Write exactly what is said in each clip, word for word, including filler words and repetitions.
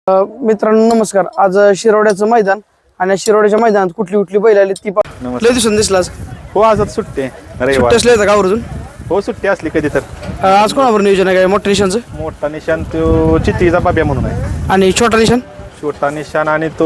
मित्रांनो नमस्कार. आज शिरोड्याचं मैदान आणि शिरोड्याच्या मैदानात कुठली कुठली बैल आली ती लय दिसून दिसला आज. हो आज सुट्टी सुट्टी असली का आवर्जून? हो सुट्टी असली कधी तर. आज कोणावर नियोजन आहे काय मोठ्या निशांचं? मोठा निशाण तो चित्तीचा बाब्या म्हणून आहे आणि छोटा निशाण? छोटा निशाण आणि तो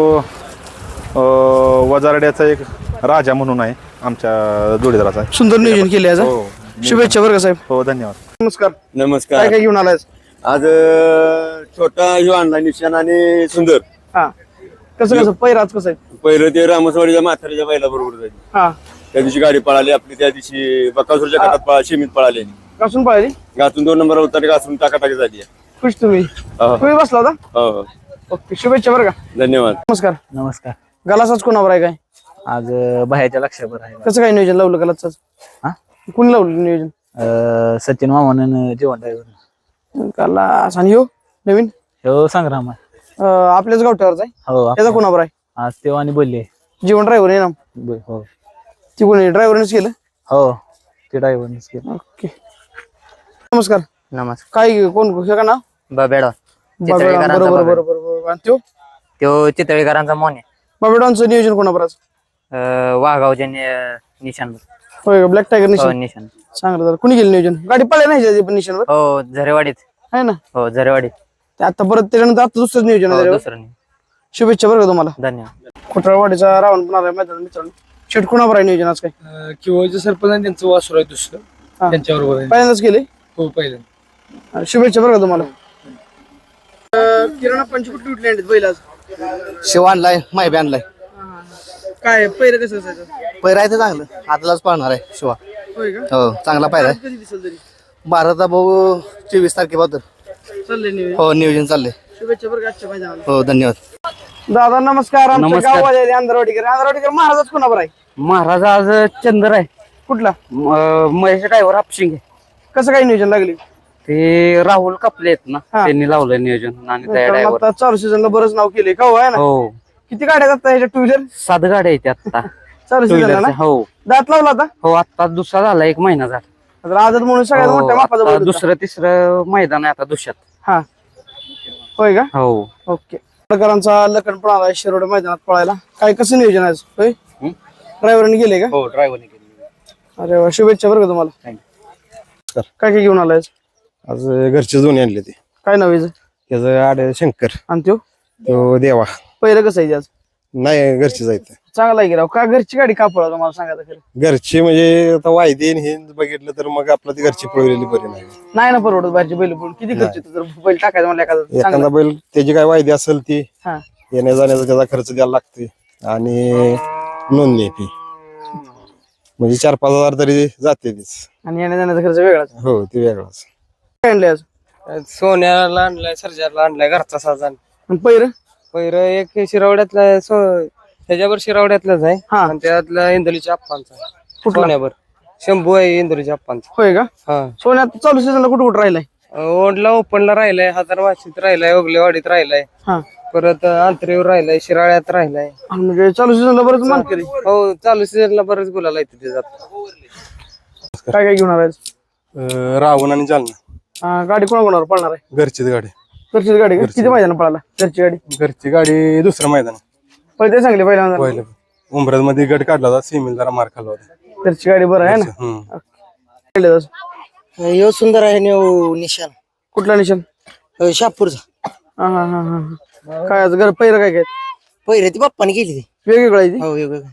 वजारड्याचा एक राजा म्हणून आहे आमच्या जोडीदाराचा. सुंदर नियोजन केले आज. हो शुभेच्छा बरं का साहेब. हो धन्यवाद. नमस्कार. नमस्कार. काय काय घेऊन आलाय आज अ, छोटा ह्यो आणला निशाण आणि सुंदर. हा कसं कसं पैर आज कसं आहे? पहिलं ते रामसवाडीच्या म्हातारीच्या बैला बरोबर जायची. हा त्या दिवशी गाडी पळाली आपली, त्या दिवशी बकासूरच्या हा. गटात पळा शेमीत पळाली. कसून पळाली? घातून दोन नंबर उतारी घासून टाकाटाकी झाली. खुश तुम्ही हो. तुम्ही बसला होता? हो हो. ओके शुभेच्छा बरं का. धन्यवाद. नमस्कार. नमस्कार. गलासाच कोणावर आहे काय? आज अ, बाहेरच्या लक्षावर आहे. कसं काय नियोजन लावलं गलासाच? हा? कोणी लावलं नियोजन? अ, सचिन मामानं जेवण ड्रायव्हर. गलास आणि हो नवीन हो संग्राम आहे. अं, आपल्याच गावठ्यावरच आहे. हो त्याचा आप- कोणावर आहे? आज तेव्हा आणि बोलले. जीवन ड्रायव्हर आहे ना? ब- हो ती कोणी ड्रायव्हरनेच केलं? हो ते ड्रायव्हरनेच केलं. ओके नमस्कार. नमस्कार. काय कोण हे का ना? बाबेडा बरोबर चितळीकरांचा बरोबर बाबेडा. बरोबर बरोबर. आणि त्यो तो चितळीकरांचा मोन आहे. बाबेडॉनचं नियोजन कोणाबरोबर? अं, वाघावच्या नि- निशाण होय का? ब्लॅक टायगर हो निशाण निशाण चांगलं झालं. कुणी गेलं नियोजन? गाडी पळल्या नाही ह्याच्या पण निशाणवर हो झरेवाडीत. आहे ना? हो झरेवाडीत. ते आता परत त्याच्यानंतर आता दुसरंच नियोजन हो आहे त्याच्यावर. दुसरं नाही. शुभेच्छा बरं का तुम्हाला. धन्यवाद. खोटरवाडीचा रावण पण आलाय मैदान मित्रांनो. शेट कोणावर आहे नियोजन आज काय? किंवा जे सरपंच आहे त्यांचं वासुर आहे दुसरं हा. त्यांच्याबरोबर आहे. पहिल्यांदाच केले. हो पहिलं. शुभेच्छा बरं का तुम्हाला. किराणा पंच कुठली कुठली आणलीत बैल आज? शिव आणलाय, माहिती आणलाय. काय पहिलं कसं असायचं? पैरा आहे ते चांगलं, आतलाच पाहणार आहे शिवा. होय का? हो चांगला पैरा आहे. कधी दिसेल तरी भारता भाऊ चोवीस तारखेपासून चाललंय नियोजन. हो नियोजन चाललंय. शुभेच्छा बरं का आजच्या मैदानाला. हो धन्यवाद. दादा नमस्कार. आमच्या नमस्कार. गावात अंधारवाडीकर अंधारवाडीकर महाराजच कोणावर आहे? महाराज आज चंद्र आहे. कुठला? म- महेश ड्रायव्हर हापशिंग. कसं काय नियोजन लागली? ते राहुल कपले आहेत ना, हा. त्यांनी लावलं नियोजन आणि त्या कारण ड्रायव्हर. आता चालू सीझनला बरंच नाव केले का हो आहे ना? हो किती गाड्या जातात ह्याच्या टू व्हीलर सात गाड्या आहेत आता. चालू टू सीझनला ना? व्हीलरच्या. हो दात लावला आता? हो आता दुसरा झाला, एक महिना झाला. आता आदत म्हणून सगळ्यात हो, मोठ्या मापाचा आता बैल होता. दुसरं तिसरं मैदान आहे आता दुसऱ्यात. हा होय का? हो ओके. प्रकारांचा लखन पण आला शिरोड मैदानात पळायला. काय कसं नियोजन आहे आज? होय ड्रायव्हरने गेले का? हो ड्रायव्हरने केली. अरे वा शुभेच्छा बरं का तुम्हाला. काय काय घेऊन आलाय? आज घरचे दोन्ही आणले ते. काय नाव आहे त्याचं आड शंकर, आणि त्यो तो देवा. पहिलं कसं आहे ते आज? नाही घरचे जायचं. चांगला आहे की राव. का घरची गाडी का पळा तुम्हाला सांगा खरं? घरचे म्हणजे आता वायदे आणि हे बघितलं तर मग आपलं ती घरची पळवलेली बरी नाही. नाही ना परवडत बाहेरची बैल पळून. किती खर्च येतो जर बैल टाकायचं म्हणलं एखादा एखादा चांगला. बैल त्याची काय वायदे असेल ती हा येण्या जाण्याचा त्याचा खर्च द्यायला लागते आणि नोंदणी फी म्हणजे चार पाच हजार तरी जाते तीच. आणि येण्या जाण्याचा खर्च वेगळाच. हो ते वेगळाच. काय आणले आज? सोन्याला आणलाय, सर्जाला आणलाय घरचा साजान. आणि पहिलं पहिलं एक शिरावड्यातला ह्याच्यावर शिरावड्यातलाच आहे हा. आणि त्यातला इंदोलीच्या अप्पांचा कुठला? सोन्यावर शंभू आहे इंदोलीच्या अप्पांचा. होय का? हा सोन्यात चालू सीझनला कुठं कुठं राहिलाय? ओंडला ओपनला राहिलाय, हजार वाशीत राहिलाय, ओगलेवाडीत राहिलाय, हा परत अंतरेवर राहिलाय, शिराळ्यात राहिलाय. आणि म्हणजे चालू सीझनला बरंच मान केली. हो चालू सीझनला बरेच गुलाल आहेत तिथे जात. काय काय घेऊन आलाय? रावण आणि जालना हा, गाडी कोणा कोणावर पळणार आहे? घरचीच गाडी. घरचीच गाडी का? किती मैदान पळाला घरची गाडी? घरची गाडी दुसरं मैदान पहिले सांगले पहिल्यांदा. पहिलं उमरत मध्ये गट काढला होता, सीमेल जरा मार खाल्ला होता. घरची गाडी बरं आहे ना? हम्म. खेळले जास. यो सुंदर आहे निशाण कुठला निशाण? शापूरचा. हा हा हा हा. काय आज घर पहिलं काय काय पहिरे ती बाप्पाने केली ती. वेगवेगळं आहे ती? हो वेगवेगळं.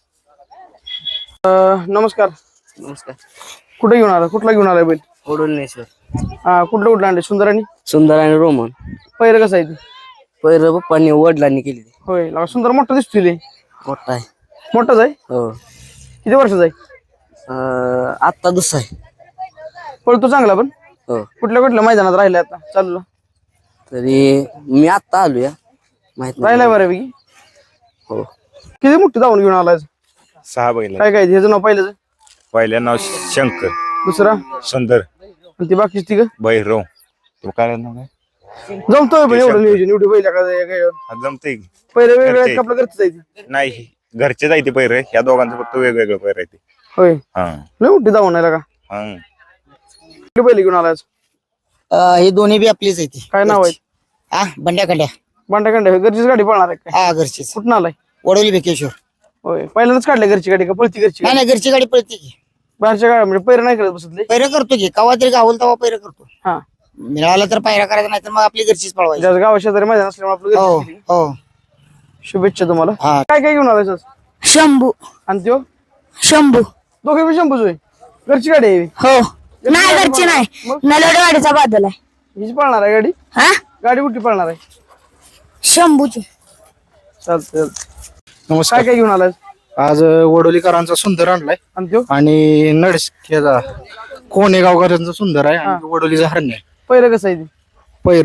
अं, नमस्कार. नमस्कार. कुठे घेऊन आला? कुठला घेऊन आलाय बैल? ओडोलनेश्वर. हा कुठलं कुठलं आणले? सुंदर आणि सुंदर आणि रोमन. पहिलं कसं आहे ती? पहिरं बाप्पाने वडिलांनी केली ती. होय लागा सुंदर मोठा दिसतोय लय. मोठा आहे. मोठाच आहे? हो किती वर्षाचा आहे? अं, आत्ता दुसरा आहे. पळतो चांगला पण. हो कुठल्या कुठल्या मैदानात राहिलाय आता चालू? तरी मी आत्ता आलो या माहित नाही. राहिलाय बऱ्यापैकी. हो किती मोठी धावून घेऊन आलाय? सहा बैल. काय काय ह्याचं नाव पहिलं? पहिल्या नाव शंकर, दुसरा? सुंदर, आणि ती बाकीची ती का? भैरव. तो काय नाव काय? जमतोय पण एवढं शंकर. नियोजन एवढी बैल का? हा, जमतंय की. पहिले वेगवेगळ्या घरचे. आपलं घरचं जायचं. नाही घरचे जायते पैर ह्या दोघांचं फक्त वेगवेगळं पैर आहे ते. होय हा लय मोठी धावून आहे का? हा. कुठली बैल घेऊन आलाय? हे दोन्ही बी आपलीच आहे ती. काय नाव आहे? हा बंड्या खंड्या बांडा खंड्या घरचीच गाडी पळणार आहे काय? हा घरचीच कुठून आलाय? वडवली बेकेश्वर. होय पहिल्यांदाच काढल्या घरची गाडी का पळती घरची नाही गाडी? नाही घरची गाडी पळते की. बाहेरच्या गाड्या म्हणजे पैर नाही करत बसतले. पैरा करतो की कवा तरी गावल तवा पैरा करतो. हा मिळाला तर पायरा करायचा नाही तर मग आपली घरचीच पळवायची. ज्या गावा शेजारी मैदान असल्यामुळे आपलं हो घरचीच केली. हो. शुभेच्छा तुम्हाला. हा. काय काय घेऊन आलाय आज? शंभू आणि त्यो शंभू दोघे बी शंभूच होय. घरची गाडी आहे ही. हो नाही घरची नाही नलवडेवाडीचा बादल आहे. हीच पळणार आहे गाडी? हा गाडी कुठली पळणार आहे? शंभूची. चालतंय. नमस्कार. काय काय घेऊन आलाय? आज वडोलीकरांचा सुंदर आणलाय आणि त्यो आणि नडसक्याचा कोणेगावकरांचा सुंदर आहे आणि वडोलीचा हरण्य आहे. पहिलं कसं आहे ती? पैर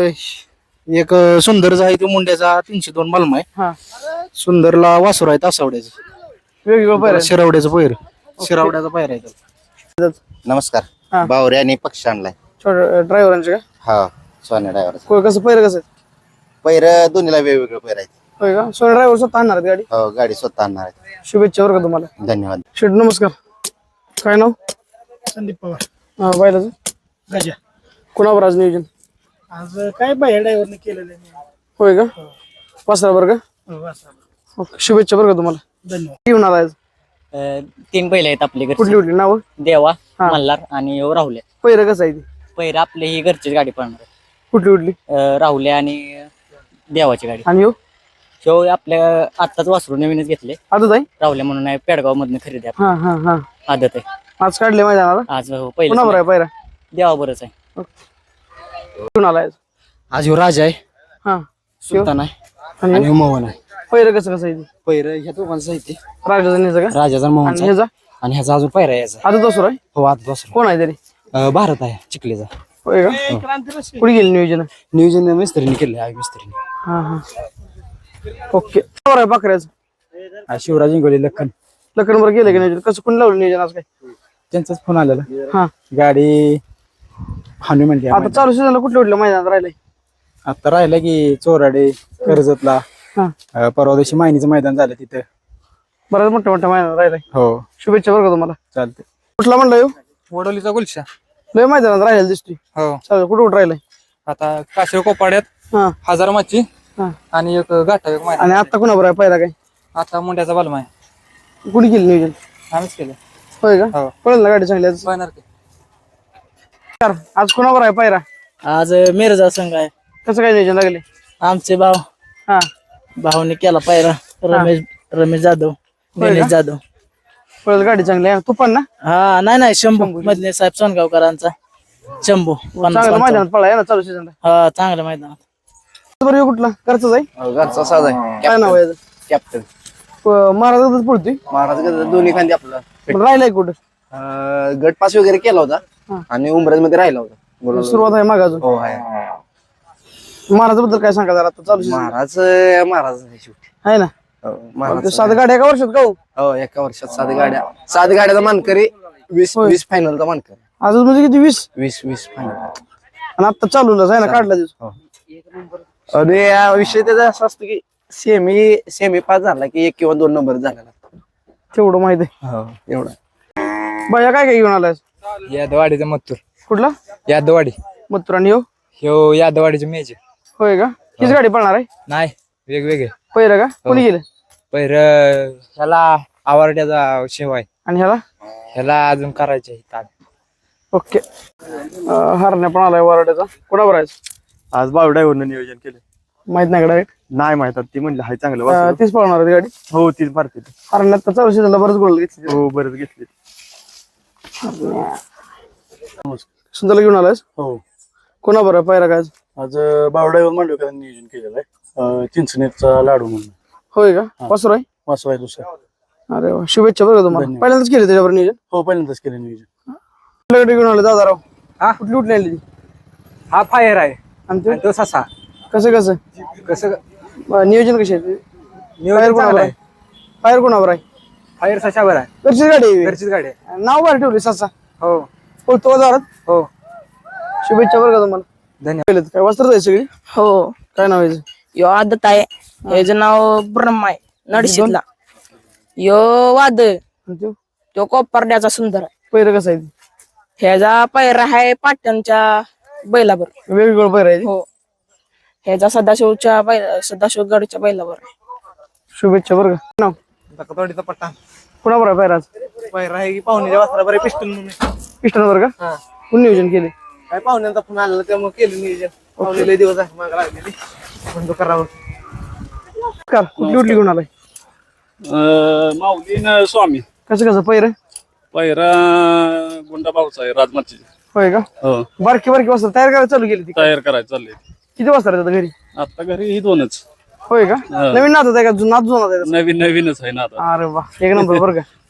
एक सुंदरचा आहे तो मुंड्याचा तीनशे दोन बलमा आहे. हा सुंदरला वासुर आहे तासावड्याचं. वेगवेगळं पहिलं शिरावड्याचं पैर शिरावड्याचा पैर आहे त्याचा. हा. नमस्कार बावरे आणि पक्ष आणलाय. छोट्या ड्रायव्हरांचे का? हा सोन्या ड्रायव्हर. कोण कसं पहिलं कसं आहे? पैर दोन्हीला वेगवेगळे पैर आहेत. होय का? सोने ड्रायव्हर स्वतः आणणार आहेत गाडी? हो गाडी स्वतः आणणार आहेत. शुभेच्छा बरं का तुम्हाला. धन्यवाद. शेठ नमस्कार. काय नाव? संदीप पवार हा बैलाचं गजा. कुणावर आज नियोजन? आज काय बाहेर ड्रायव्हरने केलेलं आहे. होय का? वासरा बरं का? हो असं. ओके शुभेच्छा बरं का तुम्हाला. धन्यवाद. घेऊन आलाय आज? तीन बैल आहेत आपले घरचे. कुठली कुठली नावं? देवा हा. मल्हार आणि राहुल्या. पहिलं कसं आहे ती? पहिला आपले ही घरचीच गाडी पळणार आहे. कुठली कुठली? अं, राहुल्या आणि देवाची गाडी. आणि हो शो आपल्या आत्ताच वासरू नवीनच घेतले. आजच आहे? राहुल्या म्हणून आहे पेडगाव मधून खरेदी आहे. हा हा हा आदत आहे आज काढले मैदानाला? आज हो, कुणावर पहिलं आहे पहिला? देवा बरंच आहे. घेऊन आलाय आज? आज ह्यो राजा आहे, हा सुलतान आहे आणि आणि मोहन आहे. पहिलं कसं कसं आहे ती? पैर ह्या दोघांचं आहे ते राजाचा न्यायचं का? राजाचा आणि मोहनचा ह्याचा? आणि ह्याचा अजून पैरा यायचा. आजच असू आहे? हो आज दुसरा कोण आहे तरी? अं, भारत आहे चिखलीचा. होय का? कुठे गेली नियोजन? नियोजन मिस्त्रीने केलं आहे मिस्त्रीने. हा हा ओके. बरोबर आहे पाकऱ्याचं. आज शिवराज इंगोली लखन लखन बरं गेलं की नियोजन? कसं कोणी लावलं नियोजन आज काय? त्यांचाच फोन आलेला. हा गाडी हानी म्हणते आता चालू सीझनला कुठल्या कुठल्या मैदानात राहिलंय? आता राहिला की चोराडे कर्जतला हा अं, परवा दिवशी मायनीचं मैदान झालं तिथं. बऱ्याच मोठ्या मोठ्या मैदानात राहिलाय. हो शुभेच्छा बरं का तुम्हाला. चालते. कुठला म्हणला येऊ? वडोलीचा गुलशा. लय मैदानात राहिला दिसतोय. हो चालेल कुठं कुठं राहिलाय? आता काशीळ कोपाड्यात हा हजार माची हा आणि एक गाठा एक मैदान. आणि आता कुणावर आहे पहिला काय? आता मुंड्याचा बलमा आहे. कुठे गेली नियोजन? आम्हीच केलं. होय का? हो. पळेल ना गाडी चांगली आज? बघणार की. आज कुणावर आहे पायरा? आज मिरजा संघ आहे. कसं काय नियोजन लागले? आमचे भाव हा भाऊने केला पायरा. रमेश रमेश जाधव होय गणेश का? जाधव. पळेल गाडी चांगली आहे. तू पण ना हा नाही नाही शंभू मधले साहेब सोनगावकरांचा शंभू पन्नास चांगलं पंचावन्न. मैदानात पळाय ना चालू सीझनला. हा चांगलं मैदान. बरं ह्यो कुठला घरचाच आहे? घरचा साज आहे. काय नाव आहे याचं? कॅप्टन महाराजातच पळतोय. महाराज दोन्ही खांदी आपलं पण राहिलाय कुठं? अं, गट पास वगैरे केला हा. होता आणि उमराज मध्ये राहिला होता. बोला- सुरुवात आहे मागाजून. हो आहे. महाराजाबद्दल काय सांगा जरा आता चालू सीझन महाराज महाराज आहे शेवटी. आहे ना? हो, महाराज सात गाड्या एका वर्षात का हो? हो एका वर्षात सात गाड्या सात गाड्याचा मानकरी वीस होय. वीस फायनलचा मानकरी आजच म्हणजे किती वीस? वीस वीस फायनल. आणि आता चालूलाच आहे ना काढला दिवस. आणि या विषय त्याचा असं असतं की सेमी सेमी पास झाला की एक किंवा दोन नंबर झाला. तेवढं माहित आहे. हो एवढा. बाया काय काय घेऊन आलाय? यादवाडीचा मत्तूर. कुठला? यादवाडी. मथुरा आणि ह्यो? ह्यो यादवाडीचे मेजर. होय का? हीच गाडी पळणार आहे? नाही वेगवेगळे. पहिलं का? कोणी गेलं? पहिर ह्याला आवारड्याचा शेव आहे आणि ह्याला? ह्याला अजून करायचे ताण. ओके. अं, हरण्या पण आलाय वराड्याचा. कोणावर आहे? आज बावड्यावरनं नियोजन केलं. माहित नाही का डायरेक्ट? नाही माहित ती म्हणलं हाय चांगलं वासरू. तीच पळणार आहे ती गाडी. हो तीच मारते ती. हरण्यात तर चालू सीझनला बरंच गोल घेतली. हो बरंच घेतली. सुंदरला घेऊन आलायस? हो कोणावर आहे पायरा काय? आज बावड्यावर मांडवकरांनी नियोजन केलेलं आहे. चिंचणीचा लाडू म्हणून होय का? वासुर आहे? वासू आहे दुसरा. अरे वा शुभेच्छा बरं का तुम्हाला. धन्यवाद. पहिल्यांदाच केले त्याच्यावर नियोजन? हो पहिल्यांदाच केलं नियोजन. कुठल्या गाडी घेऊन आले दादाराव? हा? कुठली कुठली आणली ती? हा फायर आहे आणि ते तो ससा. कसं कसं कसं अं, नियोजन कसे आहे? नियोजन फायर कोणावर चांगलं आहे? आहे. फायर कोणावर आहे? फायर सशावर आहे. घरचीच गाडी आहे. घरचीच गाडी आहे. नाव बाहेर ठेवली ससा. हो हो तो दारात. हो शुभेच्छा बरं का तुम्हाला. धन्यवाद. पहिलं काय वस्त्र आहे सगळी? हो काय नाव आहे? यो आदत आहे. ह्याचं नाव ब्रह्मा आहे नडशीतला. यो वादळ आणि त्यो? तो कोपर्ड्याचा सुंदर आहे. पहिलं कसं आहे ते? ह्याचा पैरा आहे पाटणच्या बैलाबर. वेगवेगळं पहिरं आहे ते? हो ह्याचा सदाशिवच्या बैल सदाशिव गडच्या बैलावर आहे. शुभेच्छा बरं का नाव धक्कातवाडीचा पट्टा कुणाबरोबर आहे पायरा आज पायरा आहे की पाहुण्याच्या वासरा बरे पिस्टन म्हणून पिस्टनवर का कोण नियोजन केले काय पाहुण्यांचा फोन आलेला त्यामुळे केलं नियोजन पाहुणे लय दिवस आहे मागे लागलेली म्हणतो करावं. नमस्कार कुठली कुठली घेऊन आलाय माऊलीन स्वामी कसं कसं पैर पैरा गुंडा भाऊचा आहे राजमाची. होय का हो बारकी बारकी वाजता तयार करायला चालू केली ती तयार करायचं चाललंय. किती वाजता राहतात घरी आता घरी ही दोनच होय का नवीन नात आहे का नात जुना आहे का? नवीन नवीनच आहे ना आता. अरे वा एक नंबर बरं का